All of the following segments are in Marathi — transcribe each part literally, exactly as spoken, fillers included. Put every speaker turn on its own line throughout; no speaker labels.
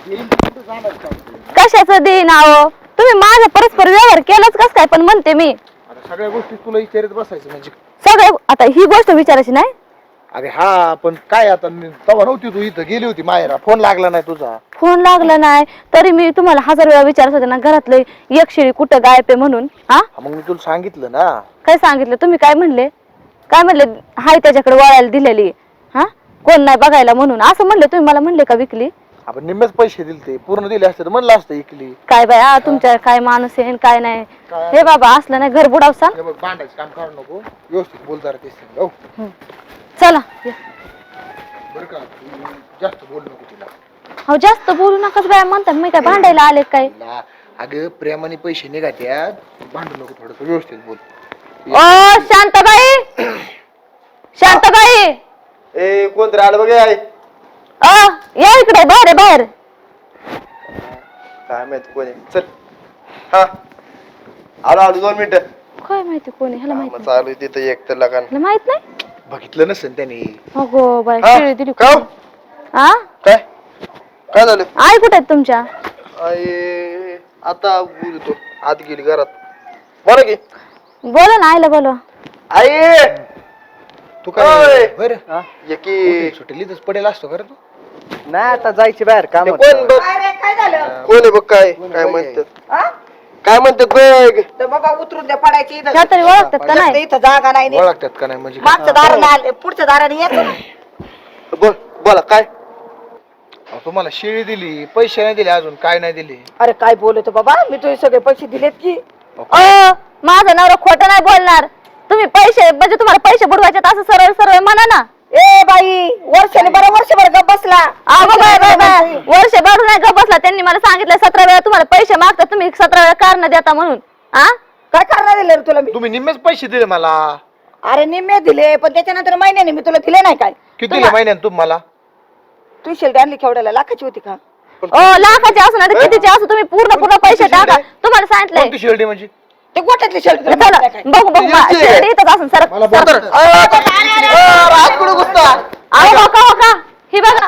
कशाचं देईन अहो तुम्ही माझा परस्पर व्यवहार केलाच कस काय पण म्हणते मी
आता सगळ्या गोष्टी तुला विचारत बसायचं म्हणजे
सगळे आता ही गोष्ट विचारायची नाही
अरे हा पण काय आता तवा नव्हती तू इथं गेली होती मायरा फोन लागला नाही तुझा
फोन लागला नाही तरी मी तुम्हाला हजार वेळा विचारत होते ना घरातलं एक शिळी कुठं गायब आहे म्हणून हा
मग मी तुला सांगितलं ना
काय सांगितलं तुम्ही काय म्हणले काय म्हणले हाय त्याच्याकडे वळायला दिलेली हा कोण नाही बघायला म्हणून असं म्हणले तुम्ही मला म्हणले का विकली
आपण निम्मेच पैसे दिले ते पूर्ण दिले असते तर म्हणलं असतं इकली
काय बाया तुमच्या काय माणूस आहे काय नाही हे बाबा असलं नाही घर बुडावसा
भांडायचं काम करू नको व्यवस्थित बोलता ते
चला
बरं का जास्त बोल नको तिला
हो जास्त बोलू नकाच बाया म्हणतात मी काय भांडायला आले काय
अगं प्रेमाने पैसे निघात्यात भांडू नको थोडं व्यवस्थित बोल
ओ शांताबाई शांताबाई
ए कोणतरी आलं बघ आहे
अ या इकडे बाहेर आहे, बाहेर
काय माहित कोणी चल हा आलो आलो दोन मिनिटं
काय माहिती कोणी ह्याला माहित नाही.
चालू तिथं एक तर लगान
ह्याला माहित नाही
बघितलं नसेल त्याने
अगो बाई
हा?
शिळी दिली
का?
हा
काय काय झालं
आई कुठे आहेत तुमच्या
आई आता बोलतो आत गेली घरात बरं की
बोला ना आईला बोलवा
आई
तू काय
ओय!
बरं
एकी
सुटेली तर पडेल असतो खरं तू
नाही आता जायची बाहेर काम
ते कोण बघ
काय झालं
कोण आहे बघ काय काय म्हणतात काय म्हणतात बघ
तर बाबा उतरून द्या पडायची इथं
ह्या तरी ओळखतात का नाही
इथं जागा नाही नीट.
ओळखतात का नाही म्हणजे
मागच्या दाराने आले पुढच्या दाराने येतो ना.
बोल बोला काय
अहो, तुम्हाला शिळी दिली पैसे नाही दिले अजून काय नाही दिले
अरे काय बोलतो बाबा मी तुझे सगळे पैसे दिलेत की
अ माझा नवरा खोटं नाही बोलणार तुम्ही पैसे म्हणजे तुम्हाला पैसे बुडवायचे असं सरळ सरळ म्हणा ना
ए बाई वर्षाने बरं वर्षभर गप बसला
अगो बाय बाय बाय वर्ष भरून नाही का बसला त्यांनी मला सांगितलं सतरा वेळा तुम्हाला पैसे मागतात तुम्ही सतरा वेळा कारण देता म्हणून हा
काय करणार दिले रे तुला मी
तुम्ही निम्मेच पैसे दिले मला
अरे निम्मे दिले पण त्याच्यानंतर महिन्याने मी तुला दिले नाही काय
किती दिले महिन्यात तुम्हाला
तू शेल्ड आणली केवढ्याला लाखाची होती का
ओ लाखाचे असू ना कितीचे असू तुम्ही पूर्ण पूर्ण पैसे टाका तुम्हाला सांगितलंय
कोणती शिर्डी म्हणजे
ते गोट्यातली शेल्ड
चला बघू बघू शिर्डी इथंच असून सर
मला बोल.
रात कुठं घुसता
अहो हो का हो का ही बघा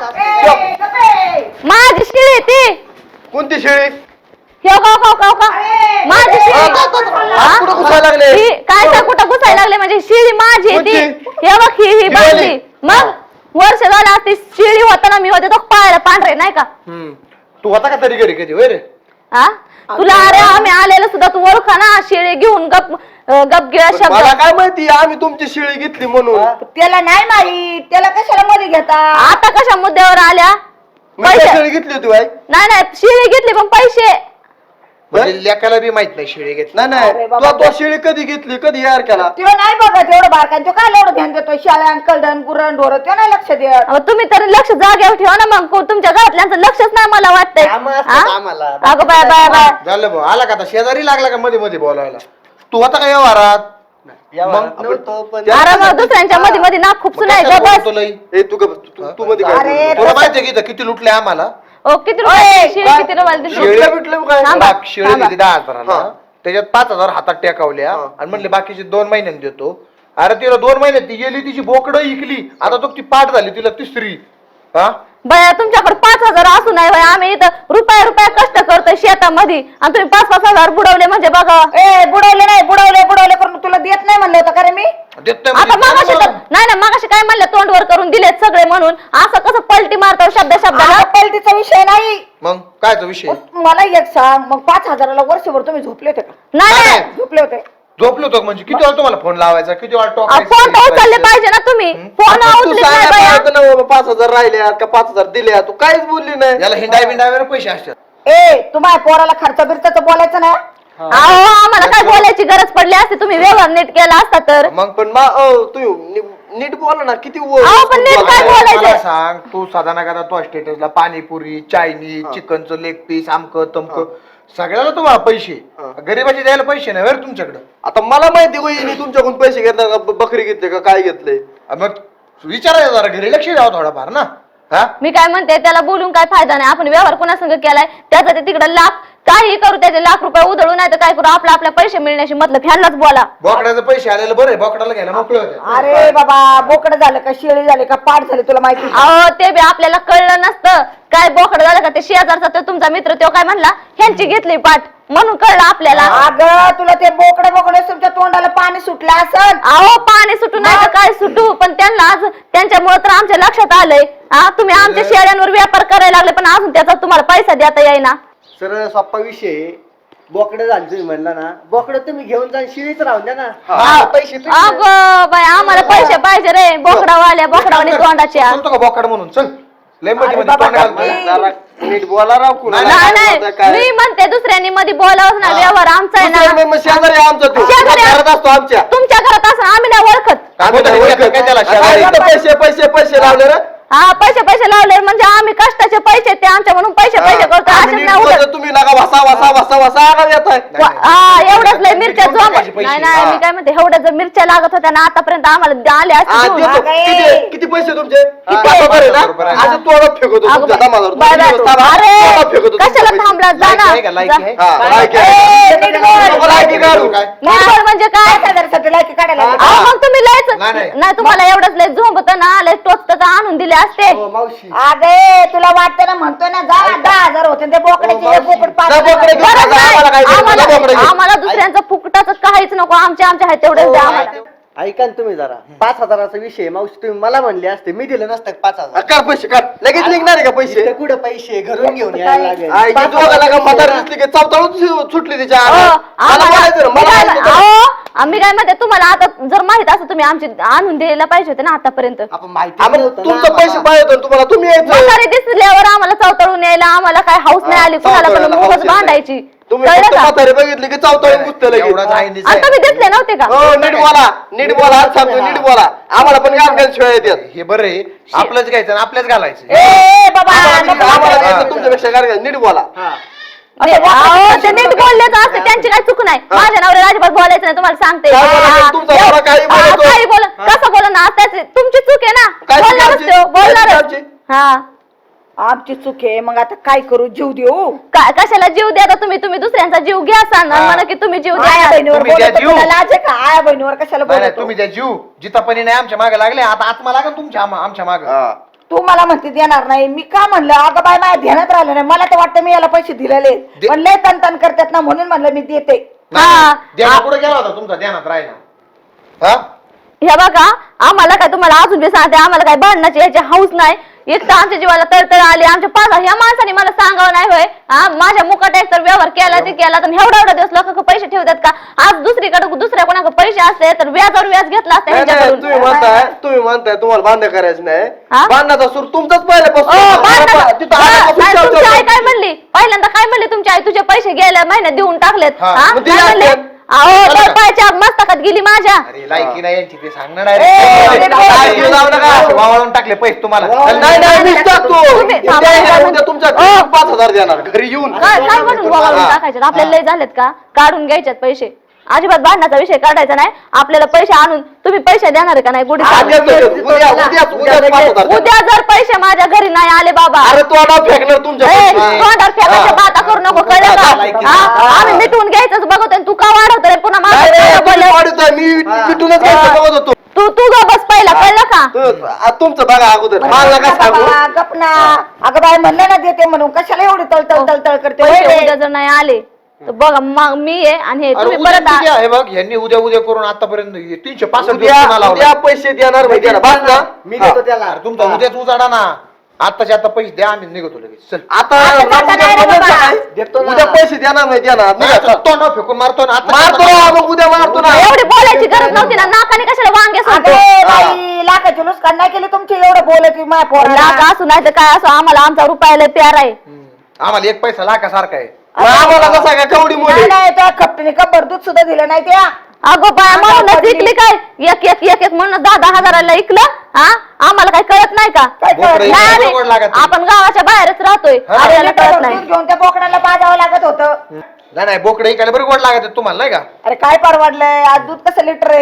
माझी शिळी ती
कोणती शेळी
हे हो का हो का हो का माझी शिळी
रात कुठं घुसायला लागले
ही काय काय कुठं घुसायला लागले म्हणजे शिळी माझी आहे ती हे बघ ही ही बाजली मग वर्ष झालं ती शिळी होताना मी होते तो पायाला पांढरे नाही का
हम्म. तू होता का तरी घरी कधी होय रे
हा तुला अरे आम्ही आलेलो सुद्धा तू ओळखा ना शिळे घेऊन गप गप गिळा
पण
शब्द
मला काय माहिती आम्ही तुमची शेळी घेतली म्हणून
त्याला नाही माहित त्याला कशाला मध्ये घेता
आता कशा मुद्द्यावर आल्या
मी काय
पैसे
शेळी घेतली होती बाई
नाही नाही शिळे घेतली पण पैसे
म्हणजे लेकाला बी माहित नाही शिळी घेतली
नाही नाही
अरे बाबा.
तू तो शेळी कधी घेतली कधी यार केला
तुला नाही बघत एवढं बारकान तो काय एवढं ध्यान देतो शाळ्यान कलडन गुरण ढोर तो नाही लक्ष देत
अहो, तुम्ही तरी लक्ष जागेवर ठेवा ना मग को- तुमच्या घरातल्यांचं लक्षच नाही मला वाटतंय
आम्हाला
अगं बाय बाय बाय
झालं भाऊ आला का आता शेजारी लागला का मध्ये मध्ये बोलायला तू होता का व्यवहारात
अरे मग दुसऱ्यांच्या मध्ये मध्ये नाक खूप नाही ग बस
ए तू ग बस. तू- तू मध्ये काय
अरे,
बोलतो?
तुला माहितीये की इथं किती लुटले आम्हाला
ओ किती रुपये शिळे किती रुपयाला दिली?
शेळीला भेटलं काय
थांबा,
बाप शिळी
थांबा.
दिली दहा हजाराला
हा.
त्याच्यात पाच हजार हातात टेकावल्या
हा.
आणि म्हणले बाकीचे दोन महिन्यात देतो अरे तिला दोन महिन्यात ती गेली तिची बोकडं इकली आता तो ती पाठ झाली तिला तिसरी हा
बया तुमच्याकडे पाच हजार असू नाही बाई आम्ही इथं रुपया रुपया कष्ट करतोय शेतामध्ये आणि तुम्ही पाच पाच हजार बुडवले म्हणजे बघा
ए बुडवले नाही बुडवले बुडवले करून तुला देत नाही म्हणलं होतं का रे मी
देत नाही
आता
म्हणजे
मागाशी
काय
तर नाही ना मागाशी काय म्हणलं तोंडवर करून दिलेत सगळे म्हणून असं कसं पलटी मारतो शब्द शब्दाला
आता पलटीचा विषय नाही
मग कायचा विषय
मग मला एक सांग मग पाच हजाराला वर्षभर तुम्ही झोपले होते का
नाही
काय?
नाही
झोपले होते
झोपलो तो म्हणजे किती वेळा तुम्हाला फोन लावायचा किती वेळा
अहो, फोन तर उचलले
टॉक
पाहिजे ना तुम्ही फोन
तू
उचलत नाही बाया.
सांगायला ना बाबा, पाच हजार राहिले का पाच हजार दिले तू काहीच बोलली नाही
याला हिंडाय बिंडायवर पैसे असतात
ए तुम्हाला पोराला खर्च बिरचं बोलायचं ना
अहो आम्हाला काय बोलायची गरज पडली असते तुम्ही व्यवहार नीट केला असता तर
मग
पण मा अ, तू नि- नीट बोला ना किती व-
अहो, पण नीट काय
बोला.
बोलायचं?
मला सांग तू साधा ना तो स्टेटसला पाणीपुरी चायनीज चिकनचं लेग पीस आमक तमक सगळ्याला तुम्हाला पैसे गरीबाचे द्यायला पैसे नाही बरं तुमच्याकडे
आता मला माहिती होईल तुमच्याकडून पैसे घेतले का ब- बकरी घेतले का काय घेतले
मग विचारायचं जरा घरी लक्ष द्यावं थोडाफार ना हा
मी काय म्हणते त्याला बोलून काय फायदा नाही आपण व्यवहार कोणासंग केलाय त्याचा ते तिकडे लाख काही करू त्याचे लाख रुपये उधळू नाही तर काय करू आपला आपल्या पैसे मिळण्याशी मतलब ह्यालाच बोला
बोकड्याचे पैसे आलेले बरं आहे बोकडाला घ्यायला मोकळे होते
अरे बाबा बोकड झालं का शेळी झाले का पाठ झाले तुला माहिती
अहो ते बी आपल्याला कळलं नसतं काय बोकड एवढं झालं का ते शेजारचा तो तुमचा मित्र तो काय म्हणला ह्यांची घेतली पाठ म्हणून कळलं आपल्याला.
अगं तुला ते बोकडे बोकडे तुमच्या तोंडाला पाणी सुटलं असं.
अहो पाणी सुटू नाही तर काय सुटू पण त्यांना आज त्यांच्यामुळे तर आमच्या लक्षात आलंय. हा तुम्ही आमच्या शेळ्यांवर व्यापार करायला लागले पण अजून त्याचा तुम्हाला पैसा देता येईना.
सरळ सोप्पा विषय बोकडं झालं तुम्ही म्हणला ना बोकडं तुम्ही घेऊन जा शिळीच राहून द्या ना.
हा, पैसे
अगं बाई आम्हाला पैसे पाहिजे रे बोकडावाल्या बोकडावानी तोंडाच्या.
बोलतो का बोकाड म्हणून चल लय मध्ये
अरे
मध्ये
बाबा,
तोंड घालतोय.
गप्पी.
जरा नीट बोला राव कुणा
नाही नाही मी म्हणते दुसऱ्यांनी मध्ये बोलावंच ना व्यवहार आमचा आहे ना.
शेजारी आहे आमचा तो
शेजारी आहे.
घरात असतो आमच्या
तुमच्या घरात असं आम्ही नाही ओळखत.
आम्ही तर ओळखत काय त्याला
काय
शेजारी.
इथं पैसे पैसे पैसे लावले रे
हा पैसे पैसे लावले म्हणजे आम्ही कष्टाचे पैसे ते आमच्या म्हणून पैसे पैसे करतो
आम्ही
असेच
नीट
नाही उडत.
बोलतो, तुम्ही लागा वसा वसा वसा वसा आगाव येताय.
नाही,
हा एवढ्याच लय मिरच्या
कोण
झोप
टाकायचे पैसे?
नाही नाही मी काय म्हणते एवढ्या जर मिरच्या लागत होत्या ना आतापर्यंत आम्हाला आले
हा,
असते
देतो.
घेऊन.
अगं,
किती
ए.
किती पैसे तुमचे
किती?
हा, बरोबर आहे ना?
बरोबर आहे.
असं तोडत फेकतो
अगं
तुमच्या
बाई,
दमावर.
बाई,
दोन दिवस थांबा,
अरे
तोडत फेकतो तुमचे
कशाला
पैसे.
थांबला जा
लायकी आहे का?
ना
लायकी आहे?
हा, लायकी आहे.
ए, नीट बोल.
नको लायकी काढू.
काय?
निर्बळ म्हणजे काय
काय हजारासाठी लायकी काढायला लागली?
अहो, मग तुम्ही लयच
नाही, नाही.
नाही तुम्हाला एवढंच लय झोंबत ना लय टोचत आणून दिले असते.
हो, मावशी
अगे तुला वाटतं ना म्हणतो ना जा दहा हजार होते ते बोकड्याचे एक बोकड पाच
जा
हजार.
बोकडे घेऊन
गरज
जा,
नाही.
आम्हाला काय करायचं? जा बोकडे
आम्हाला
घेऊन.
आम्हाला दुसऱ्यांचं फुकटाचं काहीच नको आमच्या आमच्या आहेत तेवढे द्या आम्हाला.
ऐका ना तुम्ही जरा पाच हजाराचा विषय मावशी तुम्ही मला म्हणले असते मी दिले नसतं का पाच
हा,
हजार.
काढ पैसे काढ लगेच निघणार आहे का पैसे
इथं कुठं पैसे घरून घेऊन यायला लागेल.
आई, की दोघाला का म्हातारी दिसली की चावताळून सुटली तिच्या
अहो,
अंगात. मला
आम्हाला-
बोलायचं ना,
मी
मला
काय-
बोलायचं ना.
अहो, आम्ही काय म्हणते तुम्हाला आता जर माहित असं तुम्ही आमची आणून द्यायला पाहिजे होते ना आतापर्यंत.
आपण माहिती
हा, मग
नव्हतं ना
तुमचं पैसे
आम्हाला.
पाहिजे होते तुम्हाला तुम्ही यायचं
म्हातारी दिसल्यावर आम्हाला चवतळून यायला आम्हाला काय हाऊस नाही आली कुणाला पण
चावताळायला
मुखच
हौस येते.
बांधायची
तुम्ही
कळलं
फक्त
का?
म्हातारी बघितली की चावताळून गुसतं लगेच.
एवढाच आहे निचय.
आता तुम्ही दिसले नव्हते का?
हो नीट बोला नीट बोला आज सांगतो नीट बोला आम्हाला पण गाण गाण शिवाय येतात
हे बरं आहे आपलंच घ्यायचं आणि आपल्याच घालायचं.
ए ए, बाबा
आम्हाला
नको
आम्हाला
नको.
द्यायचं तुमच्यापेक्षा गाण गाण नीट बोला
ते- अहो, ते नीट बोललेच असते त्यांची काही चूक नाही माझ्या नवऱ्याला अजिबात बोलायचं नाही तुम्हाला सांगते.
काय बोलायचं?
हा,
तुमचा
एव-
नवरा काही
हा,
बोलतो.
काही बोल कसं बोल ना त्याची तुमची चूक आहे ना
काय चूक
बोलणारच
आमची?
तो,
काय चूक
बोलणारच
आमची?
हा
आमची चूक आहे मग आता काय करू जीव देऊ
काय कशाला जीव द्या आता तुम्ही तुम्ही दुसऱ्यांचा जीव घ्या सांग
हा.
म्हणा की तुम्ही जीव
आया
द्या
बहिणीवर
तुम्ही द्या
बोलतो
जीव.
तुला लाज आहे का आया बहिणीवर कशाला
नाही नाही,
बोलतो
तुम्ही त्या जीव जितापणी नाही आमच्या मागे लागले आता आत्मा लागेल तुमच्या आम- आमच्या मागे.
हा.
तू मला म्हणते देणार नाही मी का म्हणलं अगं बाय माझ्या ध्यानात राहिलं नाही मला तर वाटतं मी याला पैसे दिलेले
दे-
पण लय तन तन करतात ना म्हणून म्हणलं मी देते
हा.
ध्यानात कुठे गेला होता तुमचा ध्यानात राहिला हा
हे बघा आम्हाला काय तुम्हाला अजून बी सांगते आम्हाला काय भांडणाची याची हाऊस नाही एक तर आमच्या जीवाला तळतळ आली आमच्या पाच ह्या माणसाने मला सांगावं नाही होय हा माझ्या मुकाट एक तर व्यवहार केला ते केला तर एवढा एवढा दिवस लोक पैसे ठेवतात का आज दुसरीकडे दुसऱ्या कोणाकडे पैसे असते तर व्याजावर व्याज घेतला असता
नाही, नाही,
ह्यांच्याकडून.
तुम्ही म्हणताय तुम्ही म्हणताय तुम्हाला बांधणं करायचं नाही
हा?
बांधण्याचा सूर तुमचाच
ओ,
पहिल्यापासून
भांडणाचं-
तिथं
हा,
आल्यापासून
नाही, तुमची आई
चालतं.
काय म्हणली पहिल्यांदा काय म्हणली तुमची आई तुझे पैसे गेल्या महिन्यात देऊन टाकलेत
हा,
हा?
मग
काय
दिले
म्हणले
असते.
अहो
झालं का?
पायाच्या मस्तकात गेली माझ्या
अरे लायकी नाही यांची ते सांगणार
ए,
direct.
अरे,
काय
घेऊन जाऊ नका.
असे वावळून टाकले पैसे तुम्हाला चल,
नाही नाही मीच टाकतो
तुम्ही-
उद्या
थांबा,
येणार,
थांबा.
उद्या तुमच्या
ओ.
घरी पाच हजार देणार घरी येऊन
काय काय म्हणून वावरून
हा.
टाकायचे आपल्याला लय झालेत का काढून घ्यायच्यात पैसे अजिबात भांडणाचा विषय काढायचा नाही आपल्याला पैसे आणून तुम्ही पैसे देणार का नाही गुढी
आज
साहेब?
देतो, देतो. उद्या उद्या उद्या पाच हजार देणार.
उद्या जर पैसे माझ्या घरी नाही आले बाबा
अरे तो नाव फेकणार तुमच्या
ए,
पैसे.
तोंडावर फेकायच्या
हा.
बाता करू नको कळलं
हा,
का
लायकी.
हा? आम्ही मिटवून घ्यायचंच बघतोय तू का वाढवतोय पुन्हा
नाही, नाही,
माझं
तुम्ही
बोलले
वाढवताय, मी पिटूनच घ्यायचं बघत होतो
तू तू ग बस पहिला कळलं का
तू- आ, तुमचं बघा अगोदर मला नका सांगू
बाबा, गप ना अगं बाय म्हणलं ना देते म्हणून कशाला एवढी तळतळ तळतळ करते
पैसे
वय
उद्या
रे.
जर नाही आले तर बघा मग मी आहे आणि हे
अरे
तुम्ही
उद्या
परत आ-
उद्या हे बघ यांनी उद्या उद्या करून आतापर्यंत तीनशे पासष्ट दिवस
उद्या
पुन्हा लावला.
उद्या पैसे देणार माहिती आहे ना बस ना
मी
हा.
देतो त्याला
अरे तुमचा उद्याच उजाडा ना आत्ताच्या आता पैसे द्या आम्ही निघतो लगेच चल
आता
आता
उद्या
जाता नाही रे
समजतं
बाबा.
काय?
देतो ना.
उद्या पैसे देणार नाही देणार
नाही,
निघा.
आता तोंडावर फेकून मारतो ना आता
मारतो ना, मग उद्या मारतो ना
एवढी बोलायची गरज नव्हती ना नाकाने कशाला वांगे सोडतो
अगं बाई लाखाची नुकसान नाही केली तुमची एवढं बोलत माय पोराला.
लाख असू नाही तर काय असो आम्हाला आमचा रुपयाला प्यार आहे
हम्म. आम्हाला एक पैसा लाखासारखा आहे
मग आम्हाला कसा काय कवडी
नाही
मुली
नाही त्या खपटीने कब्बर दूध सुद्धा दिलं नाही त्या
अगो बाय म्हणूनच
पडली.
इकली काय एक एक एक एक म्हणून दहा दहा हजाराला इकलं हा आम्हाला काय कळत नाही का
काय
बोकडं
कळत
नाही
इकडे
आम्ही-
गोड लागत नाही.
आपण गावाच्या बाहेरच राहतोय
हा.
अरे याला कळत
दूध
नाही
घेऊन त्या बोकडाला पाजावं लागत होतं
नाही नाही बोकडे इकडे बरं गोड लागत आहे तुम्हाला नाही का
अरे काय परवडलंय आज दूध कसं लिटर आहे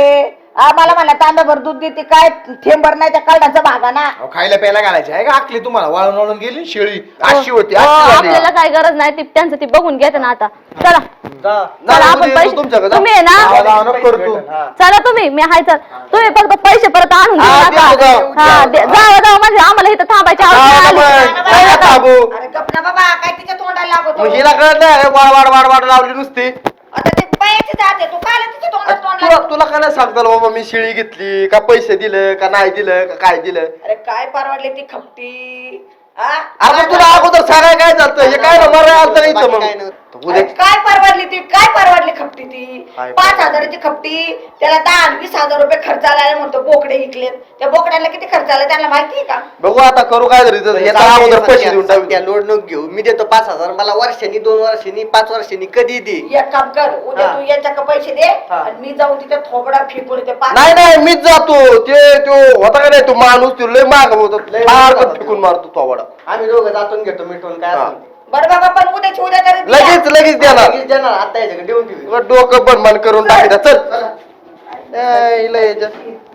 आ, मला म्हणला तांब्याभर दूध देते काय थेंबर नाही त्या कळण्याचा भागा ना
अहो, खायला प्यायला घालायची आहे का आखली तुम्हाला वाळून वाळून गेली ना शेळी अशी होती
हो,
अशी झाली.
आपल्याला काय गरज नाही ती त्यांचं ती बघून घेते ना आता चला
जा.
चला
जा,
आपण
उद्या येतो
पैसे
तुमच्याकडे, जा.
तुम्ही आहे ना
लावा, लावा, नको करू तू.
हा.
चला तुम्ही मी हाय चल तुम्ही फक्त पैसे परत आणून देऊ
हा,
नका.
देऊ, देऊ,
हा
देऊ.
दे- जावा जावा म्हणजे आम्हाला इथं थांबायची आवश्यकता
जा,
आली.
मग.
कळलं
जा,
का?
थांबू.
अरे गप ना बाबा काय तिच्या तोंडाला लागतो
मग हिला कळत नाही वाड वाड वाड वाड लावली नुसती
आता ते बायाची जाते तू काय तिच्या तोंडाला तोंड
तुला
लागतो?
तुला काय नाही सांगता बाबा मी शेळी घेतली का पैसे दिलं का नाही दिलं का काय दिलं
अरे काय परवडली ती खपटी हा?
अरे तुला अगोदर सांगाय काय झालं हे काय ना मरा आलं तर इथं मग
अरे
उद्या
काय परवडली ती काय परवडली खपटी ती
काय
पाच हजाराची खपटी त्याला दहा आणि वीस हजार रुपये खर्च आला म्हणतो बोकडे विकलेत त्या बोकड्याला किती खर्च आला त्यांना माहितीये का
बघू आता करू काय तरी इथं. याचा अगोदर पैसे देऊन टाकू
त्या लोड नको घेऊ मी देतो पाच हजार मला वर्षांनी दोन वर्षांनी पाच वर्षांनी कधी दे
एक काम कर उद्या
हा.
तू याच्या पैसे दे
हा.
आणि मी जाऊन तिथे थोबडा फेकून येते पाच
नाही नाही मीच जातो ते तो होता का नाही तो माणूस तो लय माग होतो
लय
फार
मागं
फेकून मारतो तो आवडा
आम्ही दोघं जातून घेतो मिटून काय
हा.
असेल.
बरं बाबा पण उद्याची उद्या तरी द्या.
लगेच लगेच देणार
लगेच देणार आता याच्याकडे देऊन ठेवी
डोकं पण मन करून टाकायचं चल ए, हिला याच्या